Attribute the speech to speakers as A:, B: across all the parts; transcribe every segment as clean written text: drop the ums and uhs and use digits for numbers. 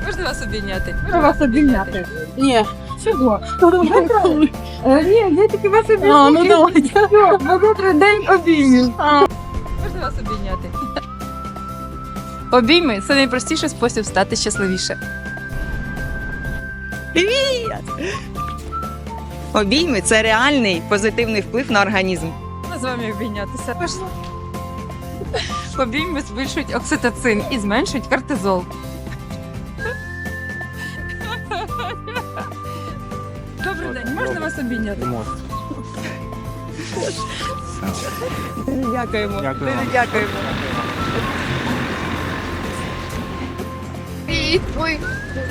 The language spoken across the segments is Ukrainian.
A: Можна вас обійняти?
B: Можна вас обійняти? Ні. Чого? Ні, я тільки вас обійняти.
C: Ну давайте.
B: Бо завтра день обіймів.
A: Можна вас обійняти? Обійми це найпростіший спосіб стати щасливіше.
C: Обійми – це реальний позитивний вплив на організм.
A: Можна з вами обійнятися? Можна. Обійми збільшують окситоцин і зменшують кортизол. Добрий день, можна вас обійняти?
C: Дякуємо.
D: Дякую вам.
C: Дякуємо.
A: Ой.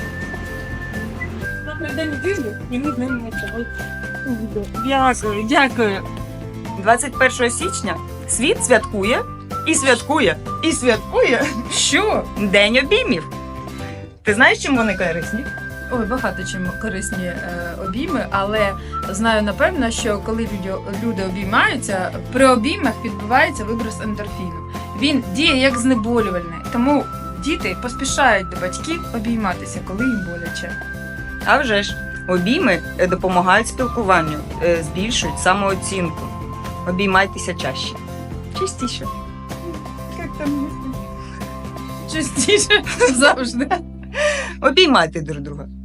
B: Завтра день обіймів, і ми з ними Дякую, дякую.
C: 21 січня світ святкує і святкує і святкує
A: Що?
C: День обіймів. Ти знаєш, чим вони корисні?
A: Ой, багато чим корисні обійми, але знаю напевно, що коли люди обіймаються, при обіймах відбувається виброс ендорфіну. Він діє як знеболювальний, тому діти поспішають до батьків обійматися, коли їм боляче.
C: А вже ж, обійми допомагають спілкуванню, збільшують самооцінку. Обіймайтеся чаще. Частіше.
A: Як там частіше завжди.
C: Обіймайте друг друга.